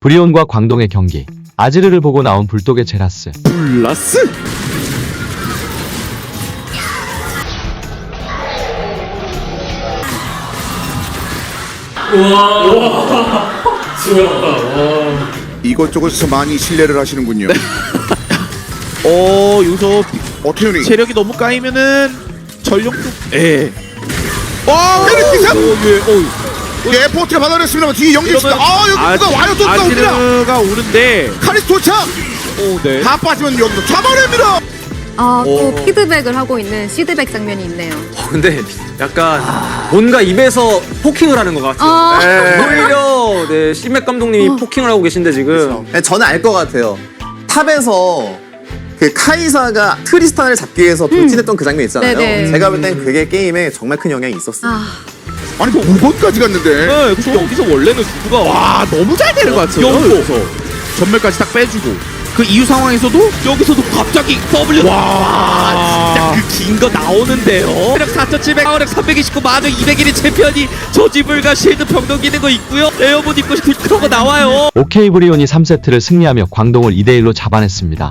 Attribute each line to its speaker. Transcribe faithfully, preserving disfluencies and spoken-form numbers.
Speaker 1: 브리온과 광동의 경기. 아지르를 보고 나온 불독의 제라스.
Speaker 2: 블라스?
Speaker 3: 우와. 우와. 수고했다. 와.
Speaker 4: 이것저것에서 많이 신뢰를 하시는군요.
Speaker 2: 어 여기서
Speaker 4: 어태윤이
Speaker 2: 체력이 너무 까이면은 전력도 예.
Speaker 4: 어! 때리기상!
Speaker 2: 예. 어.
Speaker 4: 예, 포트가 받아냈습니다만 뒤에 연기 있습니다.
Speaker 2: 이러면
Speaker 4: 아, 여기 누가 와요? 또 누가 옵니다.
Speaker 2: 아지르가 오는데
Speaker 4: 카리스 도착!
Speaker 2: 오 네.
Speaker 4: 다 빠지면 여기서 잡아냅니다.
Speaker 5: 아, 또
Speaker 2: 오.
Speaker 5: 피드백을 하고 있는 시드백 장면이 있네요.
Speaker 6: 어, 근데 약간 뭔가 입에서 포킹을 하는 것 같아요.
Speaker 5: 아.
Speaker 6: 네. 오히려 네, 시맥 감독님이 포킹을 하고 계신데 지금
Speaker 7: 네, 저는 알 것 같아요. 탑에서 그 카이사가 트리스탄을 잡기 위해서 돌진했던 그 장면 있잖아요.
Speaker 5: 네네.
Speaker 7: 제가 볼 땐 그게 게임에 정말 큰 영향이 있었어요.
Speaker 5: 아,
Speaker 4: 아니, 두 번까지 갔는데.
Speaker 2: 네, 그래서 여기서 원래는 구구가 와 너무 잘 되는 것 같아요. 여기서 전멸까지 딱 빼주고 그 이후 상황에서도 여기서도 갑자기 W 와 진짜 그 긴 거 나오는데요. 체력 사천칠백, 파워력 삼백이십구, 마저 이백일의 챔피언이 저지불과 쉴드 병력 있는 거 있고요. 에어본 입고 그런 거 나와요.
Speaker 1: 오케이 브리온이 삼 세트를 승리하며 광동을 이 대 일로 잡아냈습니다.